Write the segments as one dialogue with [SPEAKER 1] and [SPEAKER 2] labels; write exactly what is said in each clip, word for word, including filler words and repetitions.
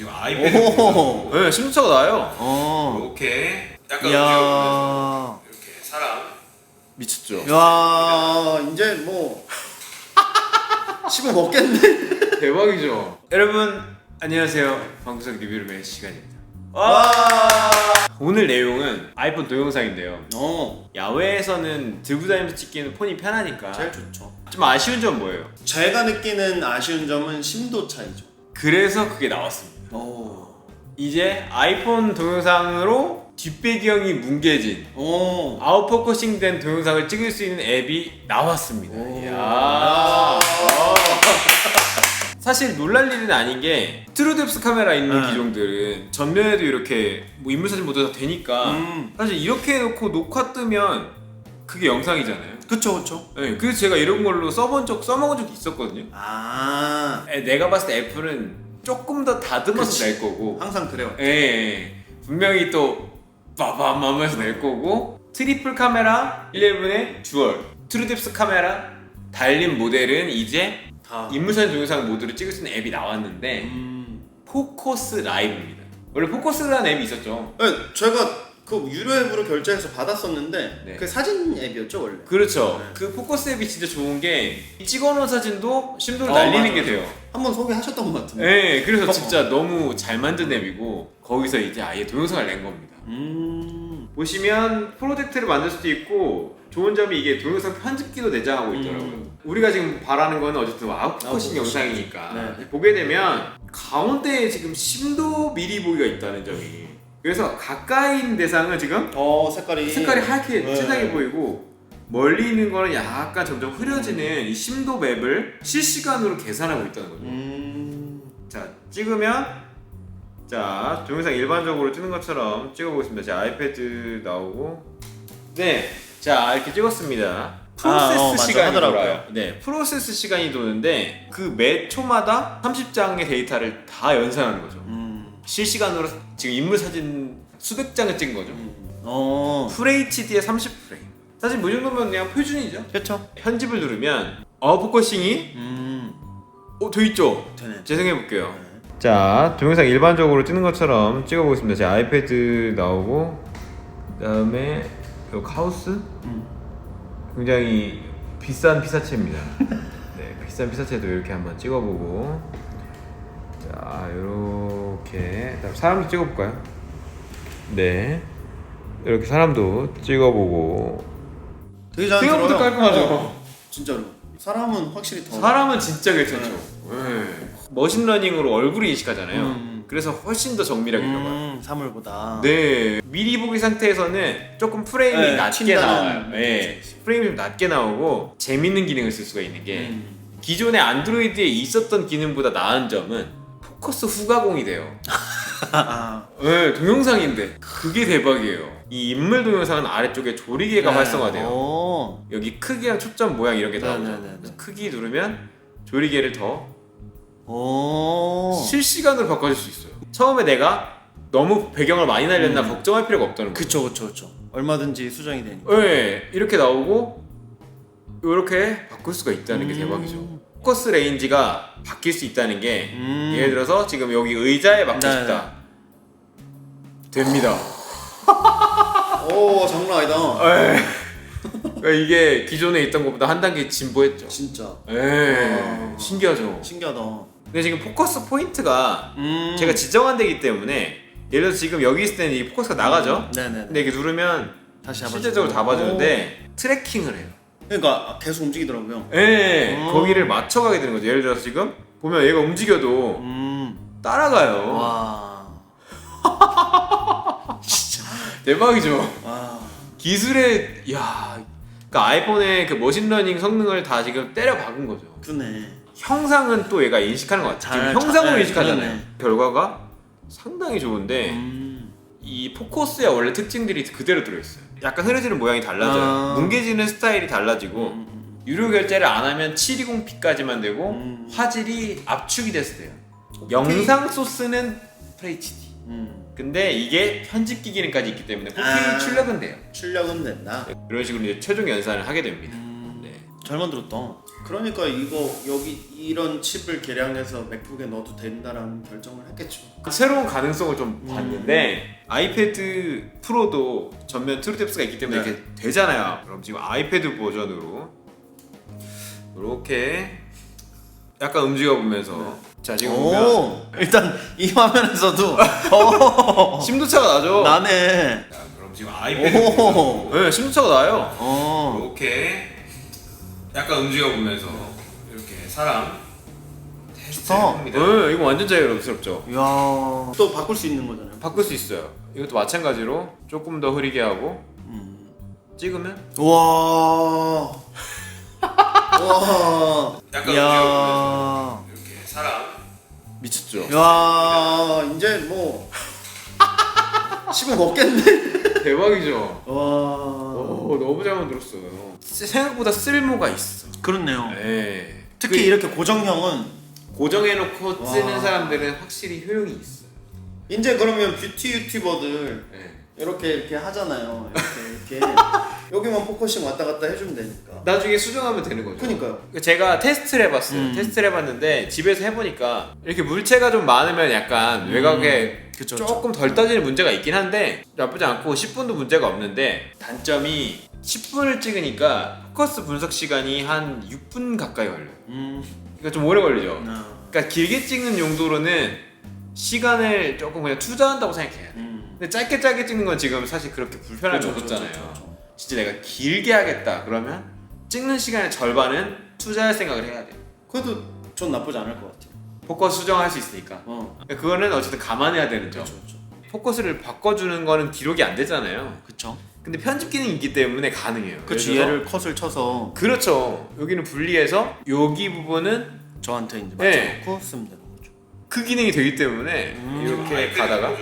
[SPEAKER 1] 지금 아이패드 네, 심도차가 나요.
[SPEAKER 2] 어.
[SPEAKER 1] 이렇게 약간
[SPEAKER 2] 이야.
[SPEAKER 1] 이렇게 사람 미쳤죠.
[SPEAKER 2] 야 이제 뭐 씹어 먹겠네.
[SPEAKER 1] 대박이죠. 여러분 안녕하세요. 방구석 리뷰룸의 시간입니다.
[SPEAKER 2] 와.
[SPEAKER 1] 오늘 내용은 아이폰 동영상인데요.
[SPEAKER 2] 어.
[SPEAKER 1] 야외에서는 들고 다니면서 찍기는 폰이 편하니까
[SPEAKER 2] 제일 좋죠.
[SPEAKER 1] 좀 아쉬운 점 뭐예요?
[SPEAKER 2] 제가 느끼는 아쉬운 점은 심도 차이죠.
[SPEAKER 1] 그래서 그게 나왔습니다.
[SPEAKER 2] 오.
[SPEAKER 1] 이제 아이폰 동영상으로 뒷배경이 뭉개진
[SPEAKER 2] 오.
[SPEAKER 1] 아웃포커싱 된 동영상을 찍을 수 있는 앱이 나왔습니다.
[SPEAKER 2] 오.
[SPEAKER 1] 이야.
[SPEAKER 2] 아.
[SPEAKER 1] 사실 놀랄 일은 아닌 게 트루뎁스 카메라 있는
[SPEAKER 2] 네.
[SPEAKER 1] 기종들은 전면에도 이렇게 뭐 인물사진 모두 다 되니까
[SPEAKER 2] 음.
[SPEAKER 1] 사실 이렇게 해놓고 녹화 뜨면 그게 영상이잖아요.
[SPEAKER 2] 그쵸 그쵸.
[SPEAKER 1] 네, 그래서 제가 이런 걸로 써본 적, 써먹은 적이 있었거든요.
[SPEAKER 2] 아.
[SPEAKER 1] 에, 내가 봤을 때 애플은 조금 더 다듬어서
[SPEAKER 2] 그치.
[SPEAKER 1] 낼 거고
[SPEAKER 2] 항상 그래요.
[SPEAKER 1] 예, 예. 분명히 또 빠밤 하면서 낼 거고 트리플 카메라 십일의 듀얼 트루뎁스 카메라 달린 모델은 이제
[SPEAKER 2] 다.
[SPEAKER 1] 인물사진 동영상 모드로 찍을 수 있는 앱이 나왔는데
[SPEAKER 2] 음.
[SPEAKER 1] 포커스 라이브입니다. 원래 포커스라는 앱이 있었죠.
[SPEAKER 2] 네, 제가 그 유료 앱으로 결제해서 받았었는데
[SPEAKER 1] 네.
[SPEAKER 2] 그 사진 앱이었죠 원래.
[SPEAKER 1] 그렇죠.
[SPEAKER 2] 네.
[SPEAKER 1] 그 포커스 앱이 진짜 좋은 게 찍어놓은 사진도 심도를
[SPEAKER 2] 어,
[SPEAKER 1] 날리는
[SPEAKER 2] 맞아,
[SPEAKER 1] 게
[SPEAKER 2] 맞아.
[SPEAKER 1] 돼요.
[SPEAKER 2] 한번 소개하셨던 것 같은데.
[SPEAKER 1] 네, 그래서 진짜 너무 잘 만든 앱이고 거기서 이제 아예 동영상을 낸 겁니다.
[SPEAKER 2] 음.
[SPEAKER 1] 보시면 프로젝트를 만들 수도 있고 좋은 점이 이게 동영상 편집기도 내장하고 있더라고요.
[SPEAKER 2] 음.
[SPEAKER 1] 우리가 지금 바라는 거는 어쨌든 아웃포커싱
[SPEAKER 2] 아웃포커싱.
[SPEAKER 1] 영상이니까
[SPEAKER 2] 네.
[SPEAKER 1] 보게 되면 가운데에 지금 심도 미리 보기가 있다는 점이, 그래서 가까이 있는 대상은 지금
[SPEAKER 2] 어 색깔이.
[SPEAKER 1] 색깔이 하얗게
[SPEAKER 2] 네.
[SPEAKER 1] 진하게 보이고 멀리 있는 거는 약간 점점 흐려지는 이 심도 맵을 실시간으로 계산하고 있다는 거죠.
[SPEAKER 2] 음.
[SPEAKER 1] 자, 찍으면 자 동영상 일반적으로 찍는 것처럼 찍어보겠습니다. 제 아이패드 나오고 네, 자 이렇게 찍었습니다. 프로세스
[SPEAKER 2] 아, 어, 맞아.
[SPEAKER 1] 시간이
[SPEAKER 2] 하더라고요.
[SPEAKER 1] 돌아요. 네, 프로세스 시간이 도는데 그 매 초마다 삼십 장의 데이터를 다 연산하는 거죠.
[SPEAKER 2] 음.
[SPEAKER 1] 실시간으로 지금 인물 사진 수백 장을 찍은 거죠.
[SPEAKER 2] 음. 어.
[SPEAKER 1] 풀에이치디에 삼십 프레임. 사실 뭐 정도면 그냥 표준이죠.
[SPEAKER 2] 그렇죠.
[SPEAKER 1] 편집을 누르면 아웃포커싱이
[SPEAKER 2] 음.
[SPEAKER 1] 어, 돼 있죠.
[SPEAKER 2] 되네.
[SPEAKER 1] 재생해 볼게요.
[SPEAKER 2] 네.
[SPEAKER 1] 자, 동영상 일반적으로 찍는 것처럼 찍어보겠습니다. 제 아이패드 나오고 그다음에 요 하우스
[SPEAKER 2] 음.
[SPEAKER 1] 굉장히 비싼 피사체입니다. 네, 비싼 피사체도 이렇게 한번 찍어보고 자, 이렇게 그다음 사람도 찍어볼까요? 네, 이렇게 사람도 찍어보고
[SPEAKER 2] 되게 잘
[SPEAKER 1] 생각보다
[SPEAKER 2] 들어요.
[SPEAKER 1] 깔끔하죠.
[SPEAKER 2] 어, 진짜로. 사람은 확실히 더.
[SPEAKER 1] 사람은 진짜 괜찮죠. 네. 머신러닝으로 얼굴을 인식하잖아요.
[SPEAKER 2] 음.
[SPEAKER 1] 그래서 훨씬 더 정밀하게 들어가요.
[SPEAKER 2] 음, 사물보다.
[SPEAKER 1] 네, 미리 보기 상태에서는 조금 프레임이
[SPEAKER 2] 네,
[SPEAKER 1] 낮게
[SPEAKER 2] 튄다는
[SPEAKER 1] 나와요. 네,
[SPEAKER 2] 느낌이지.
[SPEAKER 1] 프레임이 좀 낮게 나오고 재밌는 기능을 쓸 수가 있는 게
[SPEAKER 2] 음.
[SPEAKER 1] 기존의 안드로이드에 있었던 기능보다 나은 점은 포커스 후가공이 돼요.
[SPEAKER 2] 아.
[SPEAKER 1] 네, 동영상인데 그게 대박이에요. 이 인물 동영상은 아래쪽에 조리개가
[SPEAKER 2] 네.
[SPEAKER 1] 활성화돼요.
[SPEAKER 2] 오.
[SPEAKER 1] 여기 크기랑 초점 모양 이런 게
[SPEAKER 2] 네,
[SPEAKER 1] 나오죠.
[SPEAKER 2] 네, 네, 네.
[SPEAKER 1] 크기 누르면 조리개를 더
[SPEAKER 2] 오.
[SPEAKER 1] 실시간으로 바꿔줄 수 있어요. 처음에 내가 너무 배경을 많이 날렸나
[SPEAKER 2] 음.
[SPEAKER 1] 걱정할 필요가 없다는 거죠.
[SPEAKER 2] 그쵸 그쵸 그쵸. 얼마든지 수정이 되니까.
[SPEAKER 1] 네, 이렇게 나오고 이렇게 바꿀 수가 있다는 게
[SPEAKER 2] 음.
[SPEAKER 1] 대박이죠. 포커스 레인지가 바뀔 수 있다는 게
[SPEAKER 2] 음.
[SPEAKER 1] 예를 들어서 지금 여기 의자에 맞고
[SPEAKER 2] 네,
[SPEAKER 1] 싶다. 됩니다.
[SPEAKER 2] 오 장난 아니다.
[SPEAKER 1] 네. 그러니까 이게 기존에 있던 것보다 한 단계 진보했죠.
[SPEAKER 2] 진짜.
[SPEAKER 1] 네,
[SPEAKER 2] 와.
[SPEAKER 1] 신기하죠.
[SPEAKER 2] 신기하다.
[SPEAKER 1] 근데 지금 포커스 포인트가
[SPEAKER 2] 음.
[SPEAKER 1] 제가 지정한 데기 때문에 예를 들어서 지금 여기 있을 때는 이 포커스가 나가죠.
[SPEAKER 2] 네네.
[SPEAKER 1] 근데 이렇게 누르면
[SPEAKER 2] 다시 잡아주고.
[SPEAKER 1] 실제적으로 다 봐주는데 트래킹을 해요.
[SPEAKER 2] 그러니까 계속 움직이더라고요.
[SPEAKER 1] 예,
[SPEAKER 2] 음.
[SPEAKER 1] 거기를 맞춰가게 되는 거죠. 예를 들어서 지금 보면 얘가 움직여도
[SPEAKER 2] 음.
[SPEAKER 1] 따라가요.
[SPEAKER 2] 와. 진짜.
[SPEAKER 1] 대박이죠.
[SPEAKER 2] 와.
[SPEAKER 1] 기술의 야, 그러니까 아이폰의 그 머신러닝 성능을 다 지금 때려 박은 거죠.
[SPEAKER 2] 그네.
[SPEAKER 1] 형상은 또 얘가 인식하는 것 같아요.
[SPEAKER 2] 잘-
[SPEAKER 1] 지금 형상으로
[SPEAKER 2] 잘-
[SPEAKER 1] 인식하잖아요.
[SPEAKER 2] 그러네.
[SPEAKER 1] 결과가 상당히 좋은데
[SPEAKER 2] 음.
[SPEAKER 1] 이 포커스의 원래 특징들이 그대로 들어있어요. 약간 흐려지는 모양이 달라져요.
[SPEAKER 2] 아.
[SPEAKER 1] 뭉개지는 스타일이 달라지고
[SPEAKER 2] 음.
[SPEAKER 1] 유료 결제를 안 하면 칠백이십 피까지만 되고
[SPEAKER 2] 음.
[SPEAKER 1] 화질이 압축이 돼서 돼요. 영상 소스는 에프에이치디.
[SPEAKER 2] 음.
[SPEAKER 1] 근데 이게 편집기 기능까지 있기 때문에 포케이
[SPEAKER 2] 아.
[SPEAKER 1] 출력은 돼요.
[SPEAKER 2] 출력은 된다.
[SPEAKER 1] 이런 식으로 이제 최종 연산을 하게 됩니다.
[SPEAKER 2] 음.
[SPEAKER 1] 네.
[SPEAKER 2] 잘 만들었다. 그러니까 이거 여기 이런 칩을 개량해서 맥북에 넣어도 된다라는 결정을 했겠죠.
[SPEAKER 1] 새로운 가능성을 좀 봤는데 아이패드 프로도 전면 트루뎁스가 있기 때문에
[SPEAKER 2] 네.
[SPEAKER 1] 이렇게 되잖아요. 그럼 지금 아이패드 버전으로 이렇게 약간 움직여 보면서 자 지금 보면
[SPEAKER 2] 오, 일단 이 화면에서도 오,
[SPEAKER 1] 심도차가 나죠.
[SPEAKER 2] 나네.
[SPEAKER 1] 자, 그럼 지금 아이패드
[SPEAKER 2] 오.
[SPEAKER 1] 버전. 네, 심도차가 나요.
[SPEAKER 2] 어.
[SPEAKER 1] 이렇게 약간 움직여 보면서 이렇게 사람 테스트
[SPEAKER 2] 좋다.
[SPEAKER 1] 합니다. 네, 이거 완전 자유롭죠.
[SPEAKER 2] 이야. 또 바꿀 수 있는 거잖아요.
[SPEAKER 1] 바꿀 수 있어요. 이것도 마찬가지로 조금 더 흐리게 하고
[SPEAKER 2] 음.
[SPEAKER 1] 찍으면
[SPEAKER 2] 와. 와.
[SPEAKER 1] 약간
[SPEAKER 2] 이야.
[SPEAKER 1] 이렇게 사람 미쳤죠.
[SPEAKER 2] 야, 이제 뭐 씹어 먹겠네.
[SPEAKER 1] 대박이죠.
[SPEAKER 2] 와.
[SPEAKER 1] 오, 너무 잘 만들었어요. 생각보다 쓸모가 있어.
[SPEAKER 2] 그렇네요.
[SPEAKER 1] 네.
[SPEAKER 2] 특히
[SPEAKER 1] 그
[SPEAKER 2] 이렇게 고정형은
[SPEAKER 1] 고정해놓고 쓰는
[SPEAKER 2] 와.
[SPEAKER 1] 사람들은 확실히 효용이 있어.
[SPEAKER 2] 이제 그러면 뷰티 유튜버들
[SPEAKER 1] 네.
[SPEAKER 2] 이렇게 이렇게 하잖아요. 이렇게 이렇게 여기만 포커싱 왔다 갔다 해주면 되니까.
[SPEAKER 1] 나중에 수정하면 되는 거죠.
[SPEAKER 2] 그니까요.
[SPEAKER 1] 제가 테스트를 해봤어요.
[SPEAKER 2] 음.
[SPEAKER 1] 테스트를 해봤는데 집에서 해보니까 이렇게 물체가 좀 많으면 약간 외곽에
[SPEAKER 2] 그쵸,
[SPEAKER 1] 조금 덜 떠지는 문제가 있긴 한데 나쁘지 않고 십 분도 문제가 없는데 단점이 십 분을 찍으니까 포커스 분석 시간이 한 육 분 가까이 걸려요.
[SPEAKER 2] 음.
[SPEAKER 1] 그러니까 좀 오래 걸리죠.
[SPEAKER 2] 아.
[SPEAKER 1] 그러니까 길게 찍는 용도로는 시간을 조금 그냥 투자한다고 생각해야 돼.
[SPEAKER 2] 음.
[SPEAKER 1] 근데 짧게 짧게 찍는 건 지금 사실 그렇게 불편함이
[SPEAKER 2] 그쵸,
[SPEAKER 1] 없었잖아요.
[SPEAKER 2] 그쵸, 그쵸, 그쵸.
[SPEAKER 1] 진짜 내가 길게 하겠다 그러면 찍는 시간의 절반은 투자할 생각을 해야 돼.
[SPEAKER 2] 그래도 전 나쁘지 않을 것 같아요.
[SPEAKER 1] 포커스 수정할 수 있으니까.
[SPEAKER 2] 어.
[SPEAKER 1] 그러니까 그거는 어쨌든 감안해야 되는 점.
[SPEAKER 2] 그렇죠, 그렇죠.
[SPEAKER 1] 포커스를 바꿔주는 거는 기록이 안 되잖아요.
[SPEAKER 2] 그렇죠.
[SPEAKER 1] 근데 편집 기능이 있기 때문에 가능해요.
[SPEAKER 2] 그렇죠.
[SPEAKER 1] 그래서-
[SPEAKER 2] 얘를 컷을 쳐서
[SPEAKER 1] 그렇죠. 여기는 분리해서 여기 부분은
[SPEAKER 2] 저한테 이제
[SPEAKER 1] 네.
[SPEAKER 2] 맞춰놓고 쓰면 되는 거죠.
[SPEAKER 1] 그 기능이 되기 때문에
[SPEAKER 2] 음.
[SPEAKER 1] 이렇게 가다가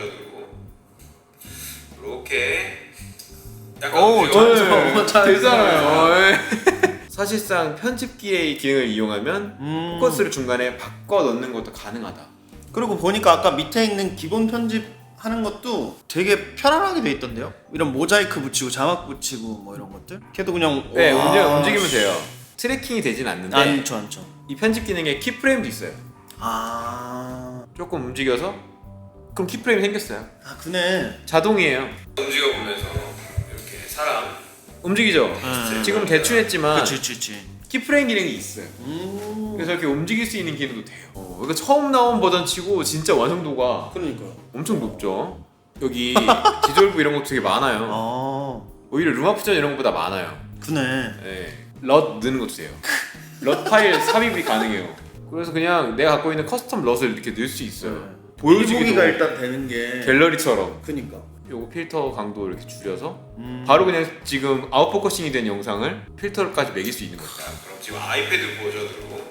[SPEAKER 1] 이렇게
[SPEAKER 2] 오,
[SPEAKER 1] 네,
[SPEAKER 2] 잘했어. 잘했어.
[SPEAKER 1] 되잖아요. 네. 사실상 편집기의 기능을 이용하면
[SPEAKER 2] 음.
[SPEAKER 1] 포커스를 중간에 바꿔 넣는 것도 가능하다.
[SPEAKER 2] 그리고 보니까 아까 밑에 있는 기본 편집 하는 것도 되게 편안하게 돼 있던데요. 이런 모자이크 붙이고 자막 붙이고 뭐 이런 것들. 걔도 그냥
[SPEAKER 1] 네,
[SPEAKER 2] 와.
[SPEAKER 1] 움직, 움직이면 돼요. 트래킹이 되진 않는데
[SPEAKER 2] 않죠, 않죠.
[SPEAKER 1] 이 편집 기능에 키프레임도 있어요.
[SPEAKER 2] 아,
[SPEAKER 1] 조금 움직여서 그럼 키프레임이 생겼어요.
[SPEAKER 2] 아 그네.
[SPEAKER 1] 자동이에요. 움직여 보면서 이렇게 사람 움직이죠.
[SPEAKER 2] 네.
[SPEAKER 1] 지금 대충 했지만
[SPEAKER 2] 그치, 그치, 그치.
[SPEAKER 1] 키프레임 기능이 있어요.
[SPEAKER 2] 음.
[SPEAKER 1] 그래서 이렇게 움직일 수 있는 기능도 돼요. 어, 그러니까 처음 나온 버전 치고 진짜 완성도가
[SPEAKER 2] 그러니까요.
[SPEAKER 1] 엄청 높죠. 여기 디졸브 이런 것도 되게 많아요.
[SPEAKER 2] 아,
[SPEAKER 1] 오히려 룸아프전 이런 것보다 많아요.
[SPEAKER 2] 그네.
[SPEAKER 1] 네. 럿 넣는 것도 돼요. 럿 파일 삽입이 가능해요. 그래서 그냥 내가 갖고 있는 커스텀 럿을 이렇게 넣을 수 있어요. 보여주기도
[SPEAKER 2] 보기가 일단 되는 게.
[SPEAKER 1] 갤러리처럼.
[SPEAKER 2] 그니까.
[SPEAKER 1] 요거 필터 강도 이렇게 줄여서
[SPEAKER 2] 음.
[SPEAKER 1] 바로 그냥 지금 아웃포커싱이 된 영상을 필터까지 매길 수 있는 거죠. 그럼 지금 아이패드 버전으로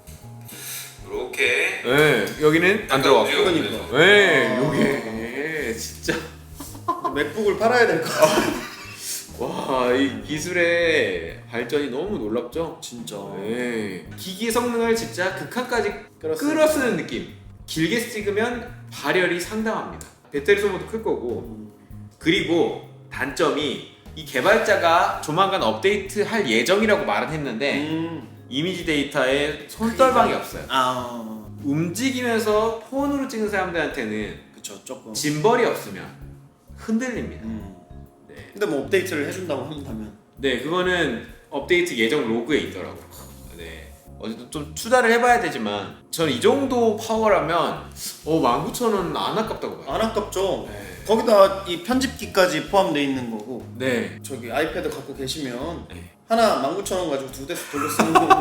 [SPEAKER 1] 이렇게 네, 여기는 안 들어갔고
[SPEAKER 2] 그러니까.
[SPEAKER 1] 네,
[SPEAKER 2] 아.
[SPEAKER 1] 요게 진짜
[SPEAKER 2] 맥북을 팔아야 될 것 같아.
[SPEAKER 1] 와, 이 기술의 발전이 너무 놀랍죠?
[SPEAKER 2] 진짜.
[SPEAKER 1] 네. 기기 성능을 진짜 극한까지
[SPEAKER 2] 끌었어요.
[SPEAKER 1] 끌어쓰는 느낌. 길게 찍으면 발열이 상당합니다. 배터리 소모도 클 거고. 그리고 단점이 이 개발자가 조만간 업데이트 할 예정이라고 말은 했는데
[SPEAKER 2] 음.
[SPEAKER 1] 이미지 데이터에 손떨방이 없어요.
[SPEAKER 2] 아,
[SPEAKER 1] 움직이면서 폰으로 찍는 사람들한테는
[SPEAKER 2] 그쵸, 조금.
[SPEAKER 1] 짐벌이 없으면 흔들립니다.
[SPEAKER 2] 음.
[SPEAKER 1] 네.
[SPEAKER 2] 근데 뭐 업데이트를 해준다고 한다면.
[SPEAKER 1] 네, 그거는 업데이트 예정 로그에 있더라고요. 네. 어쨌든 좀 투자를 해봐야 되지만 저는 이 정도 파워라면 어 만 구천 원 안 아깝다고 봐요.
[SPEAKER 2] 안 아깝죠.
[SPEAKER 1] 네.
[SPEAKER 2] 거기다 이 편집기까지 포함되어 있는 거고.
[SPEAKER 1] 네.
[SPEAKER 2] 저기 아이패드 갖고 계시면
[SPEAKER 1] 네.
[SPEAKER 2] 하나 만 구천 원 가지고 두 대씩 돌려 쓰는 거.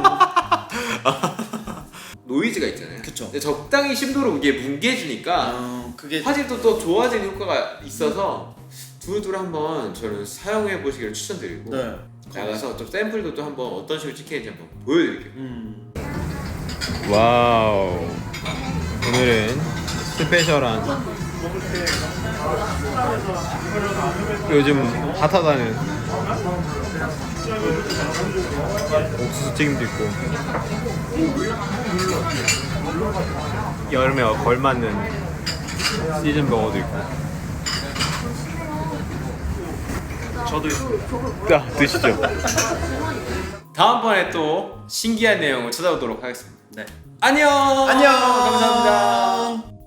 [SPEAKER 1] 노이즈가 있잖아요.
[SPEAKER 2] 그쵸.
[SPEAKER 1] 근데 적당히 심도로 이게 뭉개주니까
[SPEAKER 2] 아, 그게
[SPEAKER 1] 화질도 또 좋아지는 효과가 있어서 두루두루 한번 저는 사용해 보시기를 추천드리고
[SPEAKER 2] 네.
[SPEAKER 1] 나가서 좀 샘플도 또 한번 어떤 식으로 찍혀야지 한번 보여드릴게요.
[SPEAKER 2] 음.
[SPEAKER 1] 와우. 오늘은 스페셜한 요즘 핫하다는 옥수수 튀김도 있고 여름에 걸맞는 시즌 버거도 있고.
[SPEAKER 2] 저도
[SPEAKER 1] 자, 드시죠. 다음번에 또 신기한 내용을 찾아오도록 하겠습니다.
[SPEAKER 2] 네.
[SPEAKER 1] 안녕.
[SPEAKER 2] 안녕.
[SPEAKER 1] 감사합니다.